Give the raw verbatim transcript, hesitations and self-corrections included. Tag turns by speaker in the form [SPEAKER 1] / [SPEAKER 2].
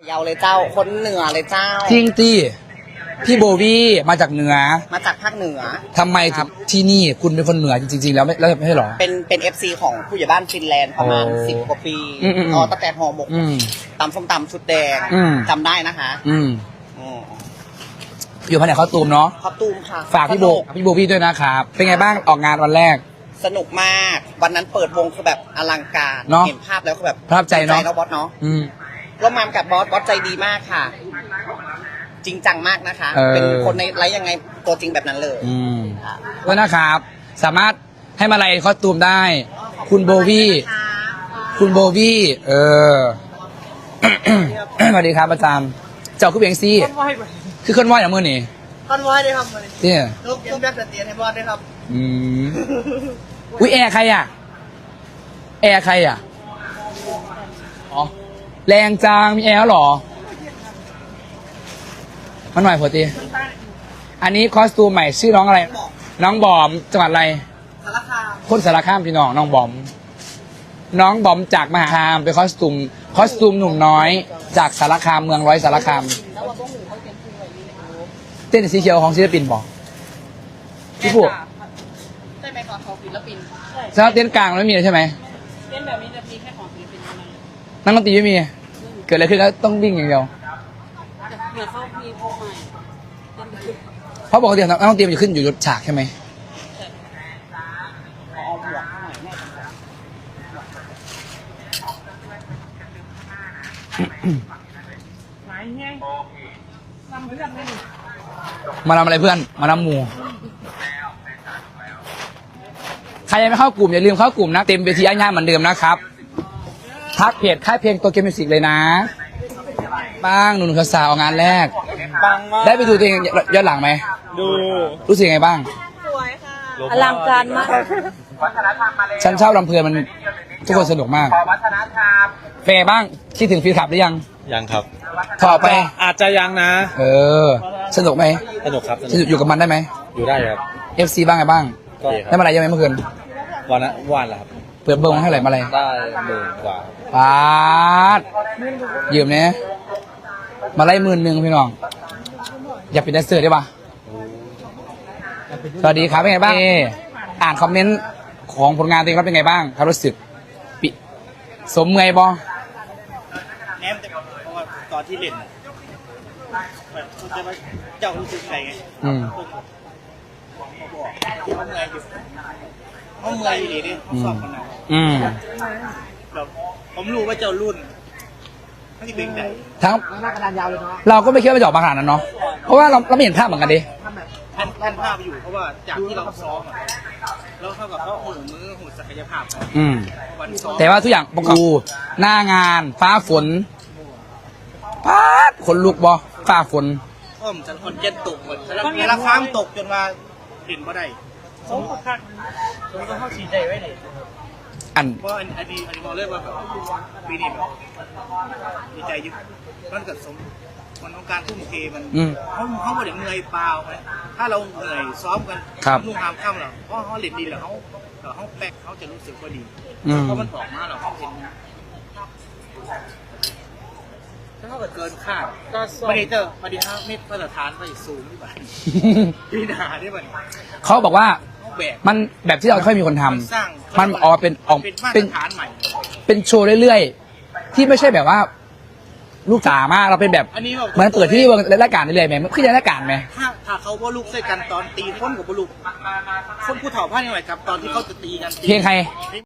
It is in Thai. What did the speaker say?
[SPEAKER 1] ยาวเลยเจ้าคนเหนือเลยเจ้า
[SPEAKER 2] จริงตีพี่โบวี่มาจากเหนือ
[SPEAKER 1] มาจากภาคเหนือ
[SPEAKER 2] ทำไมถึงที่นี่คุณเป็นคนเหนือจริงๆแล้วไม่แล้วไม่ใช่หรอ
[SPEAKER 1] เป็นเป็นเอฟซีของผู้ใหญ่บ้านฟินแลนด์ประมาณสิบกว่าปีอ๋อตั้งแต่ห่อหมกตำส้มตำชุดแดงจำได้นะคะ
[SPEAKER 2] อืมอยู่แผนกข้าวตูมเนาะ
[SPEAKER 1] ข้าวตูมค่ะ
[SPEAKER 2] ฝากพี่โบพี่โบวี่ด้วยนะครับเป็นไงบ้างออกงานวันแรก
[SPEAKER 1] สนุกมากวันนั้นเปิดวงคือแบบอลังการเห็นภาพแล้วคือแบบ
[SPEAKER 2] ภาพใจเนาะ
[SPEAKER 1] แล้วบอสเนาะร่วมงานกับบอสบอสใจดีมากค่ะจริงจังมากนะคะเป็นคนในไลฟ์ยังไงตัวจริงแบบนั้นเลย
[SPEAKER 2] อืมก็นะครับสามารถให้มาไลฟ์คอสตูมได้คุณโบวี่คุณโบวี่เออสวัสดีครับอาจารย์เจ้าคือเบียงซี่คือคนว่าอย่างมือนี่
[SPEAKER 1] คนว่าได้ครับ
[SPEAKER 2] เนี่ย
[SPEAKER 1] ลูกยังแบบเตียนให้บอสได้ครับ
[SPEAKER 2] อืมอุ้ยแอร์ใครอ่ะแอร์ใครอ่ะอ๋อแรงจังมีแอร์หรอมาหน่อยพอดีอันนี้คอสตูมใหม่ชื่อน้องอะไรน้องบอมจังหวัดอะไร
[SPEAKER 1] สารคาม
[SPEAKER 2] คนสารคามพี่น้องน้องบอมน้องบอมจากมหาคามเป็นคอสตูมคอสตูมหนุ่มน้อยจากสารคามเมืองร้อยสารคามเต้นสีเขียวของศิลปินบอกพี่ผู้
[SPEAKER 1] ใช่ไหมคะของศิลปิน
[SPEAKER 2] ใช่เต้นกลางไม่มีใช่ไหม
[SPEAKER 1] เต้นแบบนี้จะมีแค่ของศิลปิน
[SPEAKER 2] นั่งดนตรีไม่มีเกิดอะไรขึ้นก็ต้องวิ่งอย่างเดียว
[SPEAKER 1] เหมือนเขามีพวกใหม่
[SPEAKER 2] เพราะปกตินักดนตรีมันจะขึ้นอยู่ยศฉากใช่ไหมมาทำอะไรเพื่อนมาทำหมูใครยังไม่เข้ากลุ่มอย่าลืมเข้ากลุ่มนะเต็มเวทีย่างๆเหมือนเดิมนะครับทักเพจค่ายเพลงตัวเกมมิวสิกเลยนะบ้างหนุ่มๆสาวๆงานแรกได้ไปดูตัวเองย้อนหลังไหม
[SPEAKER 1] ดู
[SPEAKER 2] รู้สึกยังไงบ้าง
[SPEAKER 1] สวยค่ะอลังการมาก
[SPEAKER 2] ฉันชอบลำเพลินมันทุกคนสนุกมากเฟย์บ้างคิดถึงฟีลคลับหรือยัง
[SPEAKER 3] ยังครับ
[SPEAKER 2] ต่อไป
[SPEAKER 3] อาจจะยังนะ
[SPEAKER 2] เออสนุกไหม
[SPEAKER 3] สนุกครับ
[SPEAKER 2] อยู่กับมันได้ไหม
[SPEAKER 3] อยู่ได้ครับ
[SPEAKER 2] เอฟซีบ้างไงบ้างได้มาอะไรยังไงเมื่อคืน
[SPEAKER 3] วันละวันละครับ
[SPEAKER 2] เปิดเบิ้งให้ไหร่มาอะไร
[SPEAKER 3] ได้หมื่นกว่า
[SPEAKER 2] ปาดยืมเนี้ยมาไล่หมื่นหนึ่งพี่น้องอยากเป็นแดนเซอร์ได้ปะสวัสดีครับเป็นไงบ้างอ่านคอมเมนต์ของผลงานตัวเองแล้วเป็นไงบ้างครับรู้สึกปิสมเมย์บอ
[SPEAKER 1] แนมแต่เพราะว่าตอนที่เล่นแบบจะมาเจ้ารู้สึกไงไง
[SPEAKER 2] อืม
[SPEAKER 1] เขาเมื่อยอยู่เขาเมื่อยอยู่ดีดิสอบคนไหน
[SPEAKER 2] อืม
[SPEAKER 1] แบบผมรู้ว่าเจ้ารุ่นไม่ได้เป็นไง
[SPEAKER 2] ทั้งหน้ากระดานยาวเลยเนาะเราก็ไม่คิดว่าจะออกมาขนาดนั้นเนาะเพราะว่าเราเราไม่เห็นภาพเหมือนกันดิ
[SPEAKER 1] แทนแทนภาพอยู่เพราะว่าจากที่เราซ้อมแล้วเท่ากับเขาหูมือหูศักยภาพ
[SPEAKER 2] อืมแต่ว่าทุกอย่างประกอบหน้างานฟ้าฝนฟ้าฝนลุกบอฟ้าฝน
[SPEAKER 1] อ้อมจันทร์เย็นตกหมดแล้วมีราคามตกจนว่าเห็นบ่ได้สมคักสมก็เข้าชีใจไว้เลย
[SPEAKER 2] อัน
[SPEAKER 1] เพราะอันอันนี้อันนี้มองเรื่องว่าแบบปีนี้แบบดีใจยิ่งมันกับสมมันต้องการทุ่มเทมันเขาเขาไม่ได้เหนื่อยเปล่าไหมถ้าเราเหนื่อยซ้อมกันนุ่งหามค่ำหรอเพราะเขาเล่นดีแล้วเขาเขาแป๊กเขาจะรู้สึกว่าดีเพราะมันออกมาหรอเขาเห็นถ้าเขาเกินคาดก็ไม่ได้เจอมาดีห้าเมตรมาตรฐานไปสูงที่บ้านปีหนาที่บ้าน
[SPEAKER 2] เขาบอกว่ามันแบบที่เราค่อยมีคนทำมันออกเป็นออกเป็นเป็นโชว์เรื่อยๆที่ไม่ใช่แบบว่าลูกจ๋ามากเราเป็นแบบเหมือนเปิดที่วงรายการเรื่อยๆไหมมันขึ้นรายการไหม
[SPEAKER 1] ถ้าถ้าเขาว่าลูกใส่กันตอนตีพ้นกับบลูกคนผู้เฒ่าผ้าเนี่ยหน่อยครับตอนที่เขาจะตีกัน
[SPEAKER 2] เพลงใคร